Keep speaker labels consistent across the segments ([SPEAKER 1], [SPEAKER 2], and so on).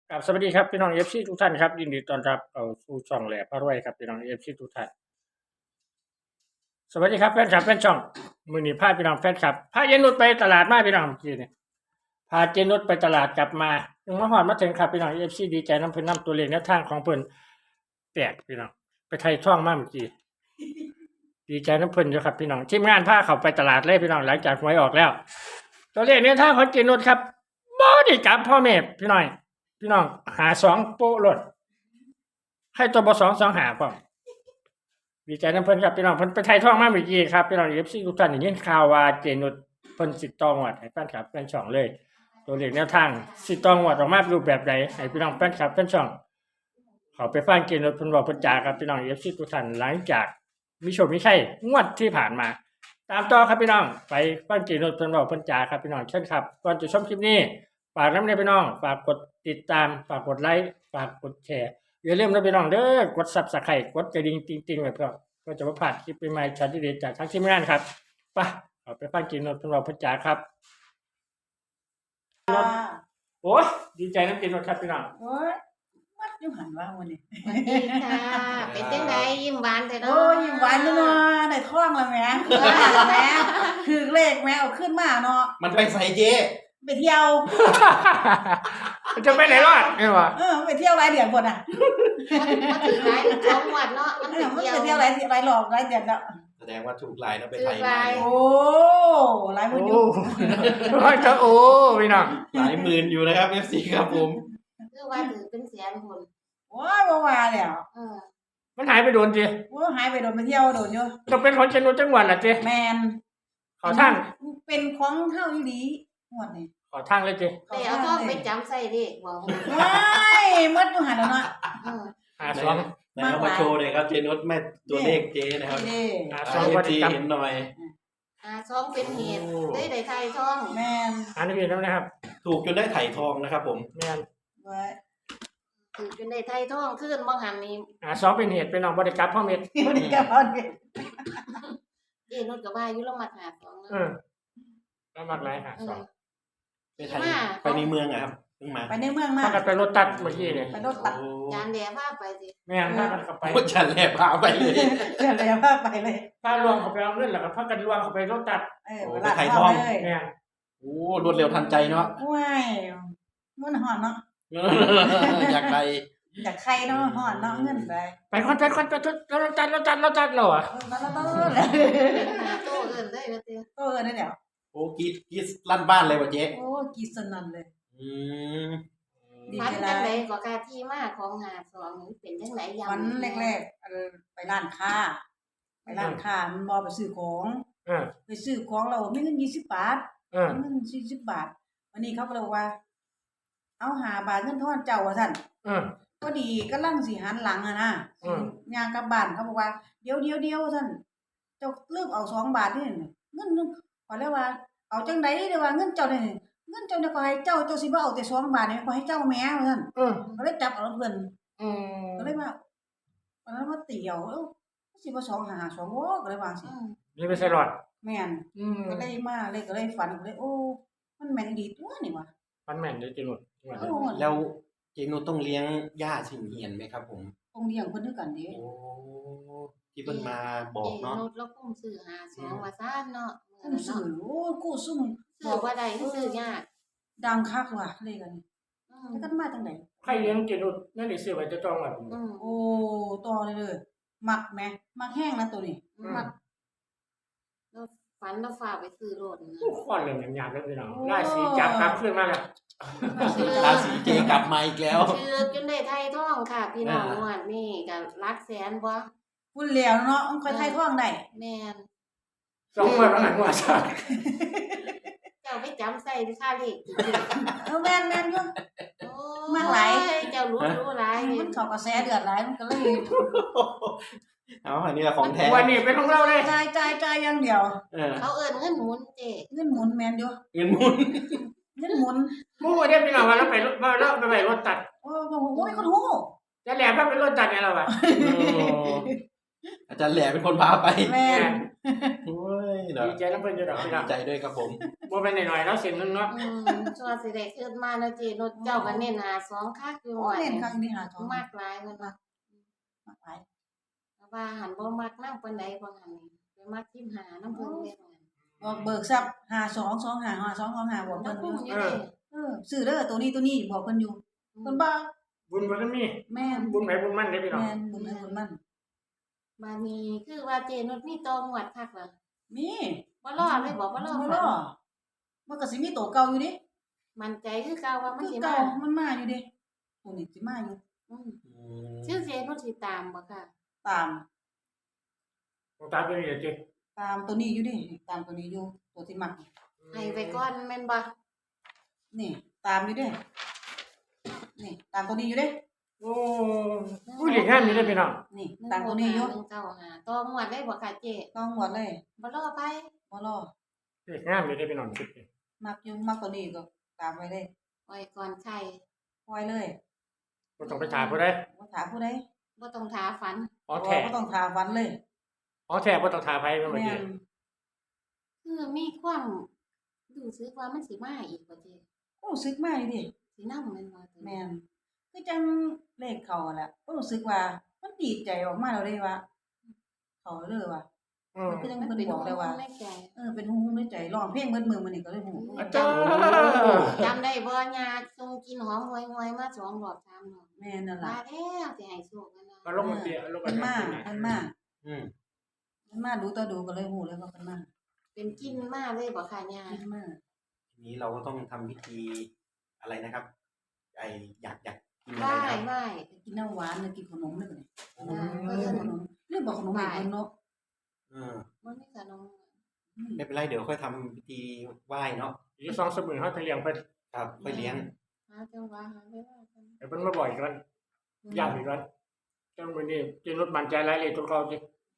[SPEAKER 1] ครับสวัสดีครับพี่น้อง FC ทุกท่านครับยินดีต้อนรับเข้าสู่ช่องแหล่พารวยครับพี่น้อง FC ทุกท่านสวัสดีครับแฟนคลับแฟนช่องมื้อนี้พาพี่น้องแฟนคลับพาเจนุชไปตลาดมาพี่น้องเมื่อกี้นี่พาเจนุชไปตลาดกลับมาถึงมาฮอดมาถึงครับพี่น้อง FC ดีใจนํเพิ่นนํตัวเลขแนวทางของเพิ่นแตกพี่น้องไปไทยท่องมาเมื่อกี้ดีใจนํเพิ่นอยู่ครับพี่น้องทีมงานพาเข้าไปตลาดเลยพี่น้องหลังจากหวยออกแล้วตัวเลขแนวทางของเจนุชครับบ่ได้กลับพ่อแม่พี่น้อยพี่น้องหา2โป๊ะโลดให้ตัวบ่2 2หาพร้อม ดีใจน้ำเพิ่นครับพี่น้องเพิ่นไปไทยท่องมาเมื่อกี้ครับพี่น้อง FC ทุกท่านได้ยินข่าวว่าเจนุชเพิ่นสิตองวดให้แฟนคลับแฟนช่องเลย ตัวเลขแนวทางสิตองวดออกมารูปแบบใดให้พี่น้องแฟนคลับแฟนช่องเขาไปฟังเจนุชเพิ่นบอกเพิ่นจาครับพี่น้อง FC ทุกท่านหลังจากมีโชคมีชัยงวดที่ผ่านมา ตามต่อครับพี่น้องไปฟังเจนุชเพิ่นบอกเพิ่นจาครับพี่น้องเชิญครับก่อนจะชมคลิปนี้ฝากนำเด้อพี่น้องฝากกดติดตามฝากกดไลค์ฝากกดแชร์อย่าลืมนะพี่น้องเด้อกด Subscribe กดกระดิ่งติ๊งๆไว้เพื่อ ก็จะมาผ่านคลิปใหม่ๆชัดดีๆจากทั้งทีมงานครับไปเอาไปฟังกินนท์เราพัชจาครับ
[SPEAKER 2] ค่ะ
[SPEAKER 1] โอ้ยดีใจน้ำกินนท์ครับพี่น้อง
[SPEAKER 2] โอ้ยมัดอยู่หันว่าวันนี้
[SPEAKER 3] สวัสดีค่ะ เป็นจังไดยิ้มหวานแต่เนาะ
[SPEAKER 2] โอ้ยยิ้มหวานเนาะได้ท่องแล้วแหม่แล้วแหม่คือเลขแหม่เอาขึ้นมาเนาะ
[SPEAKER 4] มันไปใส่เจ๊
[SPEAKER 2] ไปเที่ยว
[SPEAKER 1] จะไปไหนรอดไม่วะ
[SPEAKER 2] ไปเที่ยวหลายเดือนพุ่นน่ะ
[SPEAKER 3] มาถึงหลายสองวันเนาะมัน
[SPEAKER 2] มัน
[SPEAKER 3] ไป
[SPEAKER 2] ไป
[SPEAKER 3] เที่ยว
[SPEAKER 2] เที่ยวหลายรอบหลายเดือนแล้ว
[SPEAKER 4] แสดงว่าถูกลายแล้วไป
[SPEAKER 3] ถู
[SPEAKER 4] ไท
[SPEAKER 3] ก
[SPEAKER 4] ย
[SPEAKER 3] ลาย
[SPEAKER 4] มา
[SPEAKER 2] โอ้หลายมื้ออยู่
[SPEAKER 1] โอ้ยจะโอ้พี่น้อง
[SPEAKER 4] หลายหมื่นอยู่นะครับ FC ครับผม
[SPEAKER 3] คือว่าถือเป็นแสนคน
[SPEAKER 2] โอ้ยบ่ว่าแล้ว
[SPEAKER 3] เออ
[SPEAKER 1] มันหายไปโดนจี
[SPEAKER 2] โอ้หายไปโดนไปเที่ยวโดนอยู่
[SPEAKER 1] จะเป็นของเชนุจังหวัดละจี
[SPEAKER 2] แมน
[SPEAKER 1] ขอทาง
[SPEAKER 2] เป็นของเฮาอีหลีหมดนี่
[SPEAKER 1] ขอทางเลยจี
[SPEAKER 3] แต่เอาท้องไปจำใส่เด็กบอก
[SPEAKER 2] ว้ายมัดอยู่หันแล้วเนาะ
[SPEAKER 3] เออ
[SPEAKER 1] หาสอง
[SPEAKER 4] ไหนเอามาโชว์หน่อยครับเจนุสแม่ตัวเลขเจ๊นะครับ
[SPEAKER 2] นี่
[SPEAKER 1] หา
[SPEAKER 4] ให้
[SPEAKER 1] สอง
[SPEAKER 4] FC
[SPEAKER 1] พอดีครับ
[SPEAKER 4] เห็นหน่อย
[SPEAKER 3] ท้องเป็นเหตุได้ไทยท้อง
[SPEAKER 2] แมน
[SPEAKER 1] อันนี้พี่น้องนะครับ
[SPEAKER 4] ถูกจนได้ไถ่ทองนะครับผม
[SPEAKER 1] แม่น
[SPEAKER 2] ไว้
[SPEAKER 3] ถือเป็นได้ไทยท้องขึ้นบางหันนี่
[SPEAKER 1] หาสองเป็นเหตุเป็นน้องบริกรรมพ่อเม็ด
[SPEAKER 2] เดี๋ยวนี้ก็พอดี
[SPEAKER 3] เอ็นนกับว่าอยู่ละมัดหาสอง
[SPEAKER 1] เออแล้วมากไรหาสอง
[SPEAKER 4] ไปไทยไปในเมืองอะครับเพิ่งมา
[SPEAKER 2] ไปในเมืองมา
[SPEAKER 1] ถ้ากันไปรถตัดเมื่อกี้เนี่ย
[SPEAKER 2] ไปรถตัด
[SPEAKER 4] โอ้
[SPEAKER 3] จานแดดว่าไปสิ
[SPEAKER 1] แม่นถ้ากันเข้าไป
[SPEAKER 4] โหฉันแลบพาไปเลย
[SPEAKER 2] เดี๋ยวเลยว่าไปเลย
[SPEAKER 1] ถ้าลวงเขาไปเอาเงินแล้วก็พักกันลวงเขาไปรถตัด
[SPEAKER 2] เวลาเข้าเลย
[SPEAKER 1] แม่น
[SPEAKER 4] โอ้รวดเร็วทันใจเนาะ
[SPEAKER 2] ว้ายมันหอนเนาะ
[SPEAKER 4] อยากไป
[SPEAKER 2] อยากใครเนาะหอนเนาะเงินไป
[SPEAKER 1] ไปคนไปคนไปทุรถตัดเหรอ
[SPEAKER 2] แล้ว
[SPEAKER 3] หาโตเอินได้ก็เตี้ย
[SPEAKER 2] โตเออได้เดี๋ยว
[SPEAKER 4] โอ้กรีดลั่นบ้านเลยว่ะเจ๊
[SPEAKER 2] โอ้กีสนันเลย
[SPEAKER 4] อืม
[SPEAKER 2] ดี
[SPEAKER 3] ฟัน
[SPEAKER 2] ใจ
[SPEAKER 3] จัง
[SPEAKER 2] เล
[SPEAKER 3] ได
[SPEAKER 2] ย
[SPEAKER 3] ก็กาที่มาของหาสองนี่เป็นจังไดยาม
[SPEAKER 2] วันแรกๆไปร้านค้าไปร้านค้ามันบอไปซื้อของ
[SPEAKER 1] เออ
[SPEAKER 2] ไปซื้อของเราไม่เงิน20 บาท
[SPEAKER 1] เออ
[SPEAKER 2] เงิน40 บาทวันนี้เขาก็เลยว่า เอา5 บาทเงินทอนเจ้าว่าซั่น
[SPEAKER 1] เออ
[SPEAKER 2] พอดีกำลังสิหันหลังอะนะ
[SPEAKER 1] อืม
[SPEAKER 2] ย่างกลับบ้านเขาบอกว่าเดี๋ยวท่านเจ้าเลือกเอา2 บาทนี่เงินขอแล้วว่า เอาจังได๋เด้อว่าเงินเจ้านี่เงินเจ้าเนี่ยก็ให้เจ้าสิบ่เอาแต่2 บาทนี่ขอให้เจ้าแม่ว่าซั่น
[SPEAKER 1] เออ
[SPEAKER 2] ก็เลยจับเอาเพิ่น
[SPEAKER 1] อืม
[SPEAKER 2] ก็เลยว่าวันนั้นว่าเตี่ยวสิบ่2 5 2บ่ก็เลยว่าสิ
[SPEAKER 1] นี่ไปใส่หลอด
[SPEAKER 2] แม่น
[SPEAKER 1] อืม
[SPEAKER 2] ก็เลยมาเลยก็เลยฝันก็เลยโอ้มันแม่นดีตัวนี่ว่ะ
[SPEAKER 1] มันแม่นเลยจีนุด
[SPEAKER 2] โอ้
[SPEAKER 4] แล้วเจนุสต้องเลี้ยงย่าสิงเหียนไหมครับผม
[SPEAKER 2] ต้องเลี้ยงเพิ่นคือกันเด้
[SPEAKER 4] โอ้ที่เพิ่นมาบอกเนาะ
[SPEAKER 3] รถแล้วกุ้มซื้อหาสองว่าซ่านเนาะ
[SPEAKER 2] ซุ่มซื้อโอ้กู้ซุ่ม
[SPEAKER 3] ซื้อว่าใดซื้อยาก
[SPEAKER 2] ดังคักว่ะเลยกันแล้วกันมาจังได๋
[SPEAKER 1] ใครเลี้ยงจีนุดนั่นนี่ซื้อไว้จะจองไว้
[SPEAKER 2] โอ้ต่อเลยมักแหมมักแห้งนะตัวนี้มัก
[SPEAKER 3] แล้วฝันแล้วฝากไปซื้อรถนะ
[SPEAKER 1] ข้อเรื่องหยาบๆเลยพี่น้องไล่สีจับกลับขึ้นมาแล้ว
[SPEAKER 4] ราศีเจกลับมาอีกแล้ว
[SPEAKER 3] ชื่อจนได้ไทยท่องค่ะ พี่น้องนวดนี่กับรักแสนบ่
[SPEAKER 2] พูดแล้วเนาะมันค่อยไทยท้องได้
[SPEAKER 3] แม่น
[SPEAKER 1] สองวันแล้วหันหัวซะ
[SPEAKER 3] เจ้าไปจำใส่ค่าเลข
[SPEAKER 2] แม่นอยู่ มากหลาย
[SPEAKER 3] เจ้ารู้หลาย
[SPEAKER 2] มันเข้ากระแสเดือดหลายมันก็เลย
[SPEAKER 4] เอาอันนี้แหละของแท้
[SPEAKER 1] วันนี้เป็นของเราเลย
[SPEAKER 2] จ่ายอย่างเดียว
[SPEAKER 4] เออ
[SPEAKER 3] เขาเอิ้นเงินหมุนเจ
[SPEAKER 2] เงินหมุนแม่นอยู่
[SPEAKER 4] เงินหมุน
[SPEAKER 2] เงินหมุน
[SPEAKER 1] มู่เดียวพี่น้องว่าเราไปรถตัด
[SPEAKER 2] โอ้โหคนฮู้
[SPEAKER 1] จะแหลมว่าเป็นรถตัดเนี่ยเราอะ
[SPEAKER 4] โอ้อาจารย์แหล่เป็นคนพาไป
[SPEAKER 2] แม่น
[SPEAKER 4] โอ้ยเนาะ
[SPEAKER 1] ดีใจน้ำเพิ่นอยู่ดอกพี่น้
[SPEAKER 4] ดี
[SPEAKER 1] อง
[SPEAKER 4] ใจด้วยครับผม
[SPEAKER 1] บ่แม่นน้อยๆเนาะเส้นหนึงเนาะ
[SPEAKER 3] ชัวร์สิได้ขึ้นมาเนาะเจนุชเจ้าก็เน้นหาสองคักอยู่
[SPEAKER 2] โอ้
[SPEAKER 3] ว่า
[SPEAKER 2] เล่นครั้งนี้หาทอง
[SPEAKER 3] มากหลายเพิ่นว่า
[SPEAKER 2] มากไป
[SPEAKER 3] แต่ว่าหันบ่มักนำปานใดบ่หันนี่ไปมักทิมหานํเพิ่นเด้ว่า
[SPEAKER 2] บอกเบิกทรัพย์52255225บอก
[SPEAKER 3] มั
[SPEAKER 2] เพิ่
[SPEAKER 3] น
[SPEAKER 2] นอ
[SPEAKER 3] คุ้ม
[SPEAKER 2] ยู่
[SPEAKER 3] อยู่เด้
[SPEAKER 2] ซื้อเด้อตัวนี้บอกเพิ่นอยู่เพิ่นบ่
[SPEAKER 1] บุญบ่ทันมี
[SPEAKER 2] แม่น
[SPEAKER 1] บุญไหนบุญมันเด้อพี่น้อง
[SPEAKER 2] แม่นบุญให้บุญมัน
[SPEAKER 3] บัดนี้คือว่าเจนุชมีตองวดคักเหรอ
[SPEAKER 2] มี
[SPEAKER 3] บ่รอเลยบ่รอ
[SPEAKER 2] บ่
[SPEAKER 3] ฝั
[SPEAKER 2] รอน มันก็สิมีตัวเก่าอยู่ดิ
[SPEAKER 3] มั่นใจคือเก่าว่ามัน
[SPEAKER 2] คือ
[SPEAKER 3] สิ
[SPEAKER 2] เก่า
[SPEAKER 3] มา
[SPEAKER 2] มันมาอยู่ดิตัวนี้สิมาอยู่
[SPEAKER 3] อืมชื่อเจนุชสิตามบ่ค่ะ
[SPEAKER 2] ตาม
[SPEAKER 1] ตามตัวนี้เด้อจิ
[SPEAKER 2] ตามตัวนี้อยู่ดิตามตัวนี้อยู่ตัวที่มัก
[SPEAKER 3] ให้ไว้ก่อนแม่นบ่
[SPEAKER 2] นี่ตามอยู่ดินี่ตามตัวนี้อยู่ดิ
[SPEAKER 1] โอ้ผู้หญิงงามอยู่เด้อพี่น้อง
[SPEAKER 2] นี่ตามตัวนี้อยู่
[SPEAKER 3] 195ตองวดได้บ่ค่ะเจ
[SPEAKER 2] ต้องหวดเลย
[SPEAKER 3] บ่รอไป
[SPEAKER 2] บ่รอ
[SPEAKER 1] เด็กงามอยู่เด้อพี่น้องคิดดิ
[SPEAKER 2] มักอยู่มักตัวนี้ก็ตามไว้เลย
[SPEAKER 3] ไว้ก่อนใคร
[SPEAKER 2] ปล่อยเลย
[SPEAKER 1] บ่ต้องไปถามผู้ใด
[SPEAKER 2] บ่ถามผู้ใด
[SPEAKER 3] บ่ต้องท้าฝัน
[SPEAKER 1] อ๋อแท้
[SPEAKER 2] บ่ต้องถามฟันเลย
[SPEAKER 1] อ๋อแท้บ่ต้องถามไผแม่นบ่
[SPEAKER 2] แม่
[SPEAKER 1] จิ
[SPEAKER 2] น
[SPEAKER 3] คือมีความรู้สึกว่ามันสิมาอีกบ่เจ
[SPEAKER 2] รู้สึกมาอยู่ดิ
[SPEAKER 3] สินำแม่นบ่ตัว
[SPEAKER 2] แม่นคือจังเลขเขาแหละก็รู้สึกว่ามันดีใจออกมาแล้วเด้ว่าเขาเลยว่า
[SPEAKER 1] อืม
[SPEAKER 2] คือจัง
[SPEAKER 3] มัน
[SPEAKER 2] เพิ่น
[SPEAKER 3] เป็น
[SPEAKER 2] บอกเลยว่า
[SPEAKER 3] ในใจ
[SPEAKER 2] เป็นฮู้ๆในใจร้องเพลงเบิดมื้อมื้อนี้ก็เลยฮู้
[SPEAKER 1] อาจารย์
[SPEAKER 3] จำได้บ่ยาทรงกินหอมหวยๆมา2รอบ3รอบ
[SPEAKER 2] แม่นนั่น
[SPEAKER 3] มา
[SPEAKER 2] ล่ะ
[SPEAKER 3] แล้วสิให้โชคกันนะ
[SPEAKER 1] ก็ลงมาเตียลง
[SPEAKER 2] เพิ่นมา
[SPEAKER 1] มา
[SPEAKER 2] เพิ่นมา
[SPEAKER 4] อืม
[SPEAKER 2] เพิ่นมาดูต่อดูก็เลยฮู้เลยว่าเพิ่นมา
[SPEAKER 3] เป็นกินมาเลยบ่ค่ะยา
[SPEAKER 2] เพิ่นมา
[SPEAKER 4] ทีนี้เราก็ต้องทำพิธีอะไรนะครับ ไออยากกินอะ
[SPEAKER 3] ไหว้
[SPEAKER 4] ไรครับ
[SPEAKER 3] ไหว้
[SPEAKER 2] กินน้ำหวานหรือกินขนมเลย
[SPEAKER 3] เออ
[SPEAKER 2] ขนมเรื่องบอกขนมให้เพิ่นเนาะ
[SPEAKER 4] เออ
[SPEAKER 3] บ่มีขนม
[SPEAKER 4] ไม่เป็นไรเดี๋ยวค่อยทำพิธีไหว้เนาะ
[SPEAKER 1] อีก2 มื้อเฮาจะเลี้ยงเพิ่น
[SPEAKER 4] ครับค่อยเลี้ยง
[SPEAKER 3] หาจังหวะหาเวลากัน
[SPEAKER 1] ให้เพิ่นมาบ่อยกันย้ำอีกกันจังมื้อนี้จิรถมั่นใจหลายเลยตัวเขาสิ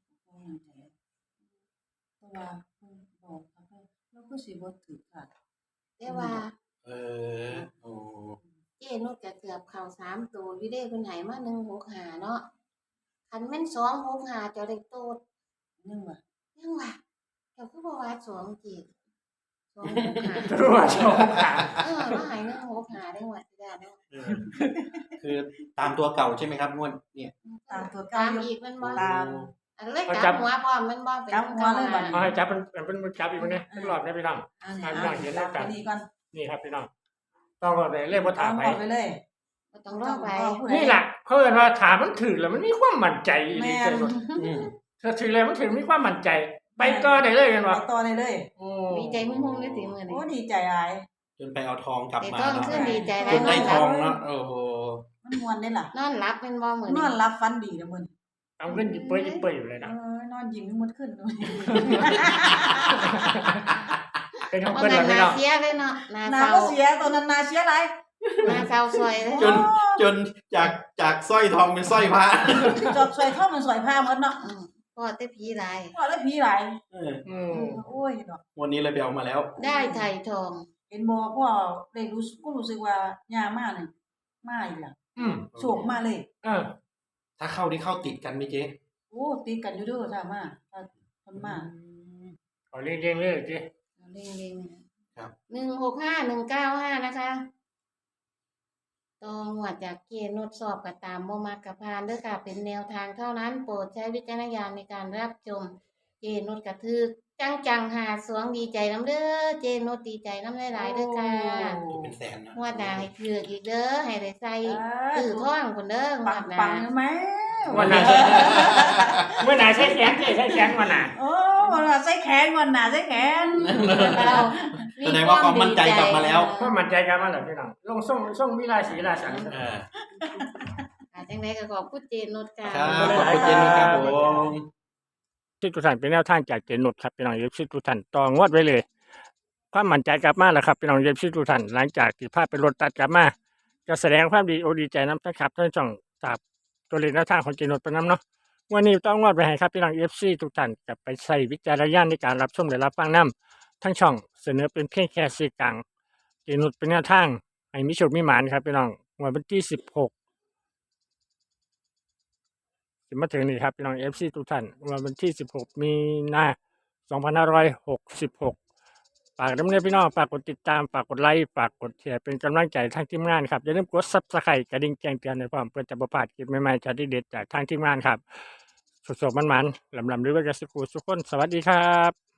[SPEAKER 2] เพราะว่าเพิ่นบอกว่าเพิ่นเราก็สิบ่ถือค่ะ
[SPEAKER 3] แต่ว่า
[SPEAKER 4] เออโอ้
[SPEAKER 3] เจ้นุชก็เกือบเข้า3ตัวอยู่เด้เพิ่นให้มา165เนาะคันแม่น265เจ้าได้โตด
[SPEAKER 2] นึงว่า
[SPEAKER 3] ยังว่าเจ้าคือบ่ว่า2จิ265
[SPEAKER 1] รู้ว่าชอบขา
[SPEAKER 3] ว่าให้165ได้ว่าสิได้เนาะ
[SPEAKER 4] เออคือตามตัวเก่าใช่ไหมครับงวดเนี่ย
[SPEAKER 2] ตามตัว
[SPEAKER 3] ตา
[SPEAKER 2] เก่าม อยู่
[SPEAKER 3] อีกแม่นบ่
[SPEAKER 2] ตาม
[SPEAKER 3] อันเลยกลับหัวพร้อมแม่นบ่เป็น
[SPEAKER 2] กลับหัวเลยบัดนี้
[SPEAKER 1] เอาให้จับเป็นจับอีกมื้อนี้เป็นรอบได้พี่น้อง
[SPEAKER 2] อันนี้
[SPEAKER 1] อ่ะอย่างเดียวแล้วกัน
[SPEAKER 2] นี่ก่อน
[SPEAKER 1] นี่ครับพี่น้องต้องรอได้เลยบ่ถามไผ
[SPEAKER 2] เอาไปเลย
[SPEAKER 3] บ่ต้องรอไป
[SPEAKER 1] นี่ล่ะเขาเอิ้นว่าถามมันถึกแล้วมันมีความมั่นใจอีหลี
[SPEAKER 2] แม่
[SPEAKER 1] จั
[SPEAKER 2] น
[SPEAKER 1] งว่า
[SPEAKER 4] อืม
[SPEAKER 1] ถ้าถึงแล้วมันถึงมีความมั่นใจ ไปต่อได้เลยกัน
[SPEAKER 2] ไป
[SPEAKER 1] ว่า
[SPEAKER 2] ต่อได้เลย
[SPEAKER 1] โอ้
[SPEAKER 3] ดีใจหุ่งๆเลยสิมื้อ
[SPEAKER 2] โอ้
[SPEAKER 3] นี้
[SPEAKER 2] ดีใจหลาย
[SPEAKER 4] จนไปเอาทองกลับ
[SPEAKER 3] แต่
[SPEAKER 4] มา
[SPEAKER 3] ต้อง
[SPEAKER 4] เนาะ
[SPEAKER 3] ขึ้นดีใจหลา
[SPEAKER 4] จ
[SPEAKER 3] ย
[SPEAKER 4] นได้ทองเนาะโอ้โห
[SPEAKER 2] มันม่วนได้ล่ะ
[SPEAKER 3] นอนหลับแม่นบ่มื้อน นี้
[SPEAKER 2] อนหลับฝันดีเด้อมื้อนี้
[SPEAKER 1] เอาเงินหยิบเปื้อยอยู่เลยนะ
[SPEAKER 2] นอนยิ้มหมดขึ้นเลย
[SPEAKER 1] เป็นของ
[SPEAKER 3] บ่
[SPEAKER 1] เพิ่น
[SPEAKER 3] แม่
[SPEAKER 1] ล่ะ
[SPEAKER 3] น
[SPEAKER 1] พี่
[SPEAKER 3] นา
[SPEAKER 1] น้อง
[SPEAKER 3] เสียเลยเนาะนา
[SPEAKER 2] หนา
[SPEAKER 3] เศร้า
[SPEAKER 2] ก็เสียตอนนั้นหนาเสียหลาย
[SPEAKER 3] นาเศร้าสวยเลย
[SPEAKER 4] จนจากสร้อยทองเป็นสร้อยพระ
[SPEAKER 2] จอบสวยท่อมันสวยผ้าหมดเนาะ
[SPEAKER 3] พอแต่ผีหลาย
[SPEAKER 2] พอแล้วผีหลาย
[SPEAKER 4] เออ
[SPEAKER 1] อืม
[SPEAKER 2] โอ้ยดอก
[SPEAKER 4] วันนี้เลยไปเอามาแล้ว
[SPEAKER 3] ได้ไถ่ทอง
[SPEAKER 2] เห็นบ่พ่อได้รู้สึกว่ายามานี่มาอีกล่ะ
[SPEAKER 1] อืม
[SPEAKER 2] โศกมาเลย
[SPEAKER 1] เออ
[SPEAKER 4] ถ้าเข้านี่เข้าติดกันไหมเจ๊
[SPEAKER 2] โอ้ติดกันอยู่เด้อถ้ามาถ้าคนมา
[SPEAKER 1] เอาเรียงๆเลยสิ
[SPEAKER 3] เร่งๆครับ165195นะคะต้องหัวจากเกณฑ์นดสอบกับตามบ่มักกับพานเด้อค่ะเป็นแนวทางเท่านั้นโปรดใช้วิจารณญาณในการรับชม เจนุชกระทึกจังหาสวงดีใจน้ำเด้อเจนุชดีใจน้ำหลายๆเด้อค่ะ
[SPEAKER 4] เป็นแสนนะ
[SPEAKER 3] งวดหน้าให้ถือกอีกเด้อให้ได้ใส่ตื้อท่องพุ่นเด้อง
[SPEAKER 2] ปั
[SPEAKER 3] ว
[SPEAKER 2] ง
[SPEAKER 3] ดหน้า
[SPEAKER 2] ปังไหม
[SPEAKER 1] วันไหนเมื่อไหร่ใช้แขนใช้แขนวันไหน
[SPEAKER 2] โอ้วันน่ะใส่แขนวันน่ะใส่แขน
[SPEAKER 3] เรา
[SPEAKER 4] แสดงว่าความมั่นใจกลับมาแล้ว
[SPEAKER 1] เพราะมั่นใจกันมาแล้วพี่น้องลงส่งมีราศีราสัน
[SPEAKER 4] เออ
[SPEAKER 3] จังไดก็ขอบคุณเจนุชค่ะ
[SPEAKER 4] ครับขอบคุณเจนุชครับผม
[SPEAKER 1] ที่ทุกท่านเป็นแนวทางจากเจนนุชครับพี่น้องเย็บซิทุกท่านต่องวดไว้เลยความมั่นใจกลับมาแล้วครับพี่น้องเย็บซิทุกท่านหลังจากที่ภาพเป็นรถตัดกลับมาจะแสดงความดีใจน้ำนะครับท่านช่องจากตัวเลขแนวทางของเจนนุชเป็นน้ำเนาะวันนี้ต้องงวดไปให้ครับพี่น้องเอฟซีทุกท่านกลับไปใช้วิจารณญาณในการรับชมและรับฟังน้ำทั้งช่องเสนอเป็นเพียงแค่สื่อกลางเจนนุชเป็นแนวทางให้มีโชคมีหมานครับพี่น้องวันที่16 สิมาถึงนี่ครับพี่น้อง FC ทุกท่านวันที่16มีนา2566ฝากดำเนินพี่น้องฝากกดติดตามฝากกดไลค์ฝากกดแชร์เป็นกำลังใจทางทีมงานครับอย่าลืมกด Subscribe กระดิ่งแจ้งเตือนให้พร้อมเพื่อจะบ่พลาดคลิปใหม่ๆจากที่เด็ดจากทางทีมงานครับสดๆมันๆลำๆด้วยกันสุขุสุขคนสวัสดีครับ